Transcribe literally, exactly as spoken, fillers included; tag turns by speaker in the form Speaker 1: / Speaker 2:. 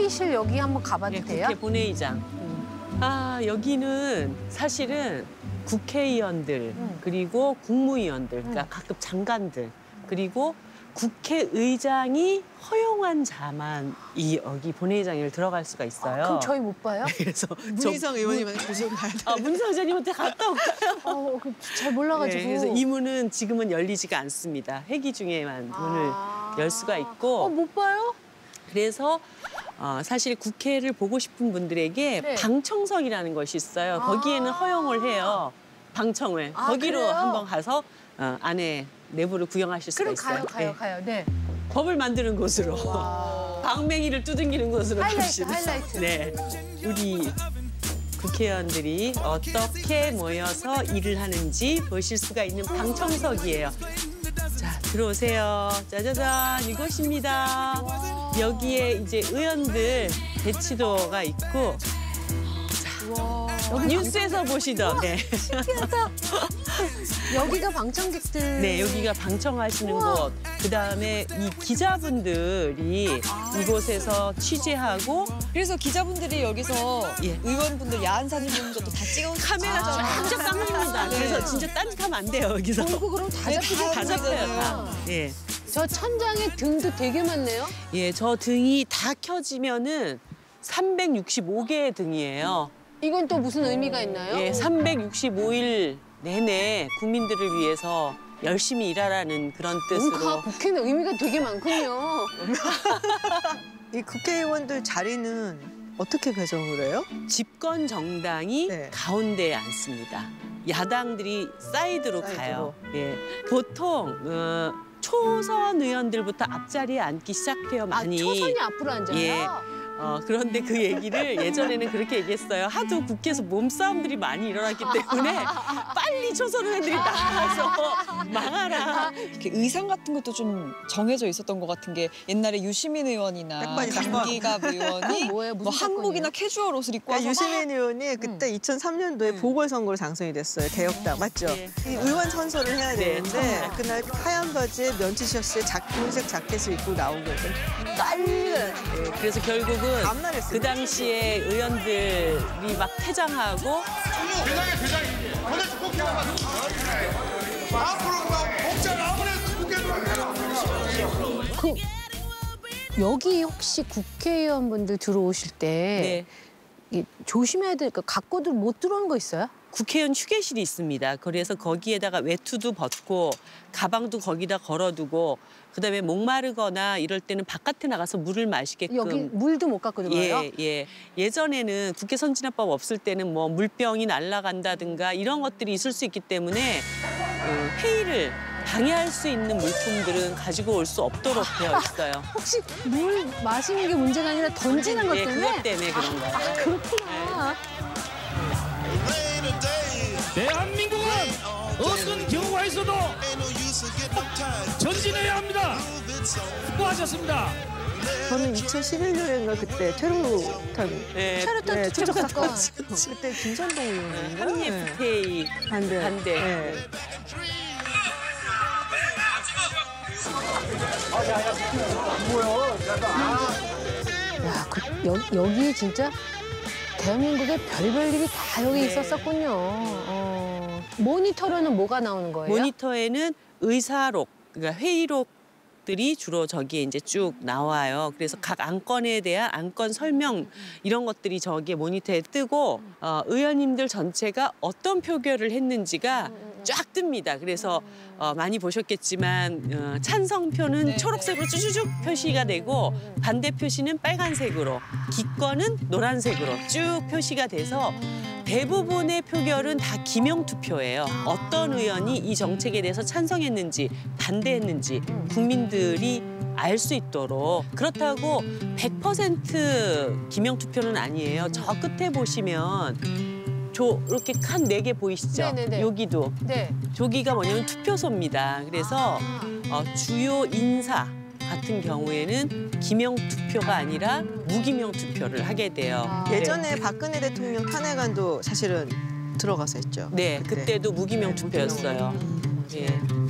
Speaker 1: 회의실 여기 한번 가봐도
Speaker 2: 네,
Speaker 1: 돼요?
Speaker 2: 국회 본회의장. 음. 아, 여기는 사실은 국회의원들,
Speaker 1: 음.
Speaker 2: 그리고 국무위원들, 그러니까
Speaker 1: 음.
Speaker 2: 가끔 장관들, 그리고 국회의장이 허용한 자만 이 여기 본회의장에 들어갈 수가 있어요.
Speaker 1: 아, 그럼 저희 못 봐요?
Speaker 2: 그래서
Speaker 3: 문희성 의원님한테 조심 가야 돼.
Speaker 2: 아, 문희성 의원님한테 갔다 올까요?
Speaker 1: 어, 잘 몰라가지고.
Speaker 2: 네, 그래서 이 문은 지금은 열리지가 않습니다. 회기 중에만 문을
Speaker 1: 아.
Speaker 2: 열 수가 있고.
Speaker 1: 어, 못 봐요?
Speaker 2: 그래서 어, 사실 국회를 보고 싶은 분들에게
Speaker 1: 네.
Speaker 2: 방청석이라는 것이 있어요. 거기에는
Speaker 1: 아.
Speaker 2: 허용을 해요. 방청을.
Speaker 1: 아,
Speaker 2: 거기로
Speaker 1: 그래요?
Speaker 2: 한번 가서 어, 안에 내부를 구경하실 수가
Speaker 1: 그럼
Speaker 2: 있어요.
Speaker 1: 가요, 가요,
Speaker 2: 네.
Speaker 1: 가요. 네.
Speaker 2: 법을 만드는 곳으로. 방맹이를 두들기는 곳으로
Speaker 1: 하이라이트,
Speaker 2: 갑시다.
Speaker 1: 하이라이트.
Speaker 2: 네. 우리 국회의원들이 어떻게 모여서 일을 하는지 보실 수가 있는 방청석이에요. 자, 들어오세요. 짜자잔, 이곳입니다. 여기에 이제 의원들 배치도가 있고,
Speaker 1: 여기
Speaker 2: 뉴스에서 보시던, 네.
Speaker 1: 신기하다. 여기가 방청객들.
Speaker 2: 네, 여기가 방청하시는
Speaker 1: 우와.
Speaker 2: 곳. 그다음에 이 기자분들이 이곳에서 취재하고
Speaker 3: 그래서 기자분들이 여기서
Speaker 2: 예.
Speaker 3: 의원분들 야한 사진 보는 것도 다 찍어
Speaker 2: 카메라 쫙쫙 깜입니다.
Speaker 3: 네.
Speaker 2: 그래서 진짜 딴짓하면 안 돼요, 여기서.
Speaker 1: 어이구, 그럼 다
Speaker 3: 네,
Speaker 1: 잡히죠.
Speaker 3: 다
Speaker 2: 다 잡혀요, 다.
Speaker 3: 잡혀요.
Speaker 2: 예.
Speaker 1: 저 천장에 등도 되게 많네요.
Speaker 2: 예, 저 등이 다 켜지면은 삼백육십오 개의 등이에요.
Speaker 1: 이건 또 무슨 의미가 있나요?
Speaker 2: 예, 삼백육십오 일 내내 국민들을 위해서 열심히 일하라는 그런 뜻으로.
Speaker 1: 뭔가 국회는 의미가 되게 많군요.
Speaker 4: 이 국회의원들 자리는 어떻게 배정을 해요?
Speaker 2: 집권 정당이
Speaker 4: 네.
Speaker 2: 가운데에 앉습니다. 야당들이 사이드로,
Speaker 4: 사이드로.
Speaker 2: 가요. 예, 보통 어, 초선 의원들부터 앞자리에 앉기 시작해요,
Speaker 1: 아,
Speaker 2: 많이.
Speaker 1: 초선이 앞으로 앉아요?
Speaker 2: 예. 어, 그런데 그 얘기를 예전에는 그렇게 얘기했어요. 하도 국회에서 몸싸움들이 많이 일어났기 때문에 빨리 초선 의원들이 나가서 망하라.
Speaker 3: 이렇게 의상 같은 것도 좀 정해져 있었던 것 같은 게 옛날에 유시민 의원이나
Speaker 4: 백반이 사건.
Speaker 3: 강기갑 의원이
Speaker 1: 뭐예요? 무슨
Speaker 3: 뭐 한복이나
Speaker 1: 사건이에요?
Speaker 3: 캐주얼 옷을 입고
Speaker 4: 그러니까
Speaker 3: 와서
Speaker 4: 유시민 의원이 그때 이천삼 년도에 보궐선거로 당선이 됐어요. 개혁당, 맞죠?
Speaker 2: 네.
Speaker 4: 이 의원 선서를 해야
Speaker 2: 네,
Speaker 4: 되는데
Speaker 2: 선서.
Speaker 4: 그날 하얀 바지에 면티 셔츠에 작,흰색 자켓을 입고 나온 거예요. 난리가 났어요.
Speaker 2: 예, 그래서 결국은
Speaker 4: 밤날했어요.
Speaker 2: 그 당시에 의원들이 막 퇴장하고
Speaker 5: 대장의 대장이 도대체 꼭 해라. 앞으로 막 목장 아무래도 국회 들어가라.
Speaker 1: 그 여기 혹시 국회의원분들 들어오실 때
Speaker 2: 네.
Speaker 1: 이 조심해야 될 거 갖고들 못 들어오는 거 있어요?
Speaker 2: 국회의원 휴게실이 있습니다. 그래서 거기에다가 외투도 벗고 가방도 거기다 걸어두고 그다음에 목마르거나 이럴 때는 바깥에 나가서 물을 마시게끔.
Speaker 1: 여기 물도 못 갖고 들어와요?
Speaker 2: 예, 예. 예전에는 국회 선진화법 없을 때는 뭐 물병이 날아간다든가 이런 것들이 있을 수 있기 때문에 어, 회의를 방해할 수 있는 물품들은 가지고 올 수 없도록 되어 있어요.
Speaker 1: 혹시 물 마시는 게 문제가 아니라 던지는 것
Speaker 2: 예,
Speaker 1: 때문에?
Speaker 2: 그것 때문에 그런 거예요.
Speaker 1: 아, 그렇구나.
Speaker 6: 대한민국은 어떤 경우가 있어도 전진해야 합니다. 수고하셨습니다.
Speaker 4: 저는 이천십일 년인가 그때 테러탄
Speaker 2: 예,
Speaker 1: 체류탄
Speaker 4: 네,
Speaker 1: 투척 사건.
Speaker 4: 그때 김선동 의원인가?
Speaker 2: 한미에프티에이
Speaker 4: 반대.
Speaker 2: 반대.
Speaker 4: 네.
Speaker 1: 야, 그, 여, 여기 진짜 대한민국의 별별 일이 다 여기
Speaker 2: 네.
Speaker 1: 있었었군요. 어. 모니터로는 뭐가 나오는 거예요?
Speaker 2: 모니터에는 의사록, 그러니까 회의록들이 주로 저기에 이제 쭉 나와요. 그래서 각 안건에 대한 안건 설명 이런 것들이 저기에 모니터에 뜨고 어, 의원님들 전체가 어떤 표결을 했는지가 쫙 뜹니다. 그래서 어, 많이 보셨겠지만 어, 찬성표는
Speaker 3: 네,
Speaker 2: 초록색으로 쭈쭈쭉 표시가 되고 반대 표시는 빨간색으로, 기권은 노란색으로 쭉 표시가 돼서 대부분의 표결은 다 기명 투표예요. 어떤 의원이 이 정책에 대해서 찬성했는지 반대했는지 국민들이 알 수 있도록. 그렇다고 백 퍼센트 기명 투표는 아니에요. 저 끝에 보시면 저 이렇게 칸 네 개 보이시죠?
Speaker 1: 네네네.
Speaker 2: 여기도.
Speaker 1: 네.
Speaker 2: 저기가 뭐냐면 투표소입니다. 그래서 어, 주요 인사 같은 경우에는 기명 투표가 아니라 무기명 투표를 하게 돼요.
Speaker 1: 아.
Speaker 2: 네.
Speaker 4: 예전에 박근혜 대통령 탄핵안도 사실은 들어가서 했죠.
Speaker 2: 네,
Speaker 4: 그때.
Speaker 2: 그때도 무기명
Speaker 4: 네,
Speaker 2: 투표였어요. 예.